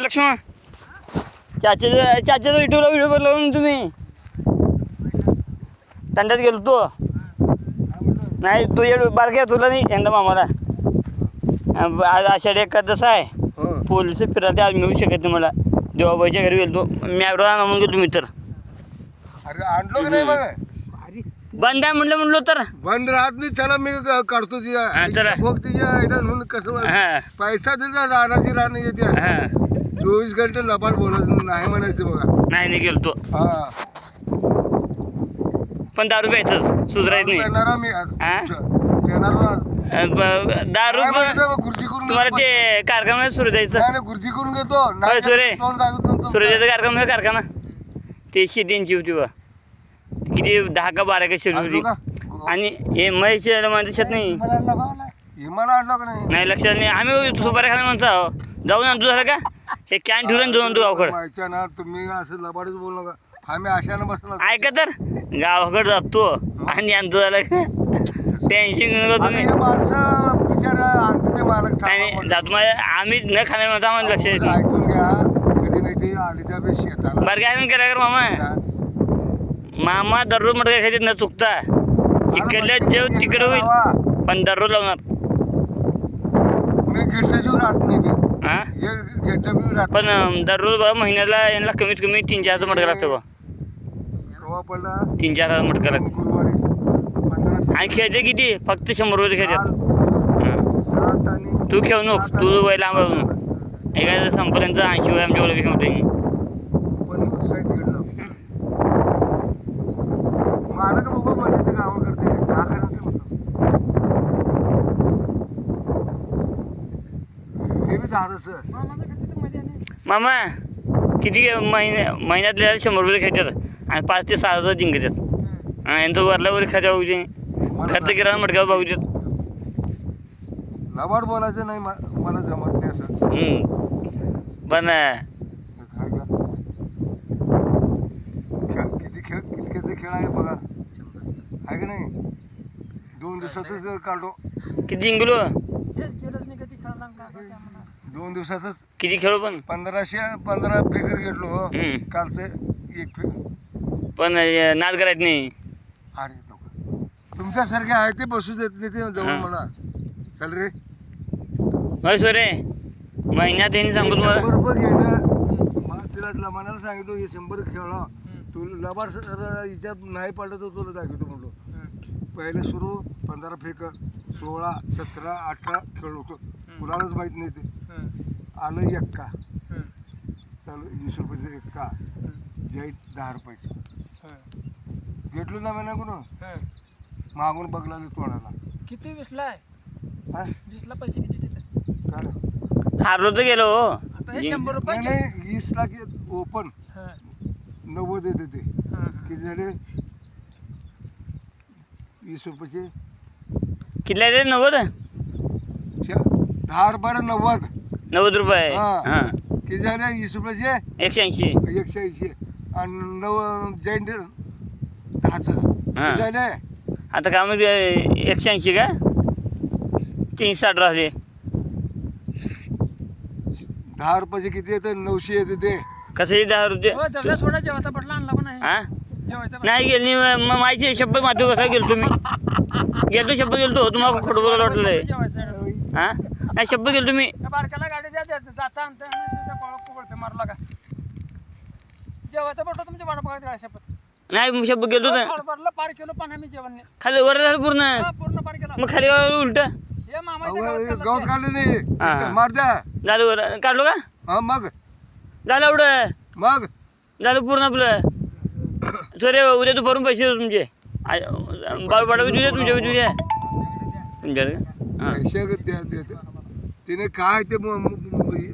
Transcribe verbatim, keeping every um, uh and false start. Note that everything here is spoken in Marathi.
लक्ष्मण चाच्याचा चाच्याचा युट्यूबला व्हिडिओ बनवला ना तुम्ही तंड्यात गेलो तो नाही तुझ्या बारक्या तुला नाही यंदा मामाला आज आषाढी एकादश आहे पोलिस फिरायला आज मिळू शकत नाही मला देवाबाईच्या घरी गेलो मी आडवा म्हणून गेलो मी तर अरे आणलो की नाही बघ बंद आहे म्हटलं म्हणलो तर बंद राहत नाही चला मी क- काढतो हा, चला. तिच्या बघ तिच्या आयडा म्हणून कसं हां पैसा दिला राहण्याची राहणं येते हां चोवीस घंटे लबाड बोलत नाही म्हणायचं बघा नाही नाही गेलो तो हा पण दारू प्यायचंच सुधारायचं नाही येणार मी आज. हा? येणार ना आज. अं, ब- दारू काय ब- म्हणायचं बघ, खुर्ची करून तुम्हाला घेतो. ते कारखान्यात सुरू द्यायचं नाही, नाही, खुर्ची करून घेतो होय, नाही सुरे. तोंड दाखवत नव्हतं. सुरू द्यायचं कारखाना कारखाना ते शेतींची होती बा किती दहा का बारा का शेती आणलो होती का? आणि हे महेश माझ्या शेत नाही मला आणला का मला? हे मला आणलं का नाही नाही लक्षात नाही आम्ही सुपाऱ्या खाना म्हणतो आहो. जाऊन आणतो झालं का हे कॅन ठेवलं दोन तू गावकड माहिती ना तुम्ही असं लबाडच बोलू नका आम्ही आशानं बसलो ऐका तर गावाकडे जातो आणि आणतो झालं का टेन्शन घेऊ नका आणि तुम्ही हे माणसं बिचारा आणते ते मालक नाही नाही थांबा जातो माझ्या आम्ही न खाणार म्हणतो आम्हाला लक्ष येत म्हणून. नाही ऐकून घ्या कधी नाही ते आली त्या बी शेताला बरं काय करा कर मामा मामा दररोज मटका खायचे न चुकता इकडल्या जेव तिकडे होईल पण दररोज लावणार मी घेतल्याशिवाय राहत नाही ते हां हे घेतल्या बी राहत पण अं, दररोज बघा महिन्याला यांना कमीत कमी तीन चार हजार मटका लागतं बा केव्हा पडला तीन चार हजार मटका लागतं गुरुवारी पंधरा आणि खेळते किती फक्त शंभर रुपये खेळतात काल हां. सात आणि तू खेळू नको तू वय लांब आहे म्हणून एका संपल्यांचं ऐंशी वय आमच्या ओळखी होते पण साईड घेतलं मला का बघू म्हणजे ते गावा करते का करत ते म्हणतो ते बी झाडच मामा किती महिन्या महिन्यातल्या शंभर रुपये खेळतात आणि पाच ते सहा हजार जिंकतात आणि यांचं वरला वर खात्या बघू दे खर्च किराणा मटक्यावर बघू देत लबाड बोलायचं नाही मा- मला जमत नाही असं हम्म. पण अं, काय का खेळ किती खेळ कितक्याचे खेळ आहे बघा आहे का नाही दोन दिवसातच काढो किती जिंकलो दोन दिवसातच किती खेळू पण पंधराशे पंधरा फेकर घेतलो हो हम्म. कालचं एक फेकर पण अं, नाद करायचं नाही अरे लोक तुमच्यासारखे आहे ते बसू देत नाही ते जवळ हा. मला चल रे होय सोरे महिन्यात यांनी सांगू तुम्हाला शंभर रुपये घेणं मला तिला लमानाला सांगितलं हे शंभर खेळा तू लबाड हिच्यात नाही पडलं तर तुला दाखवतो म्हणलो पहिले सुरू पंधरा फेकर सोळा सतरा अठरा खेळ होतो कुणालाच माहीत नाही ते आलं एक्का चालू वीस रुपयाचं एक्का जय दहा रुपयाचं घेतलो ना मी कोण मागून बघला तोंडाला किती वीसला आहे हा वीसला पैसे किती देतात काय हारलो तर गेलो हो. आता हे शंभर रुपये नाही नाही वीस लाख ओपन हां नव्वद येते ते हां किती झाले वीस रुपयाचे कितल्या ते नव्वद श- दहा रुपयाला नव्वद नव्वद रुपये हा. हां किती झाले वीस रुपयाचे एकशे ऐंशी एकशे ऐंशी आणि नव जैन दहाचं हा. किती झाले आता काय मग एकशे ऐंशी का तीनशे साठ राहते दहा रुपयाचे किती येते नऊशे येते ते कसं दहा रुपये हो जवळ सोडा जेवायचा पटला आणला पण आहे हां जेवायचा नाही गेली मग माझी शब्द मात्र कसा गेलो तुम्ही गेलो शब्द गेलो तुम्हाला खोटं बोलायला वाटलं जेवायचा हां नाही शब्द गेलो तुम्ही त्या बारक्याला गाडी द्या द्या जाता आणता आणि तुझ्या पाळत पडते मारला का जेवायचा पटलो तुमच्या वाडा बघा त्या शपथ नाही शब्द गेलो ना हडबडला पार केलो पण आम्ही जेवण नाही खाली वर झालं पूर्ण हा, पूर्ण पार केला मग खाली उलट हे मामाच्या गावात गवत काढले हा. नाही मार द्या झालं वर काढलो का हा मग झालं एवढं मग झालं पूर्ण आपलं सर उद्या दुपारून पैसे देतो तुमचे बाळू पाडा तुझ्या तुमच्या तुझ्या तुमच्याकडे हां पैसे द्या द्या- तिने काय ते म- म-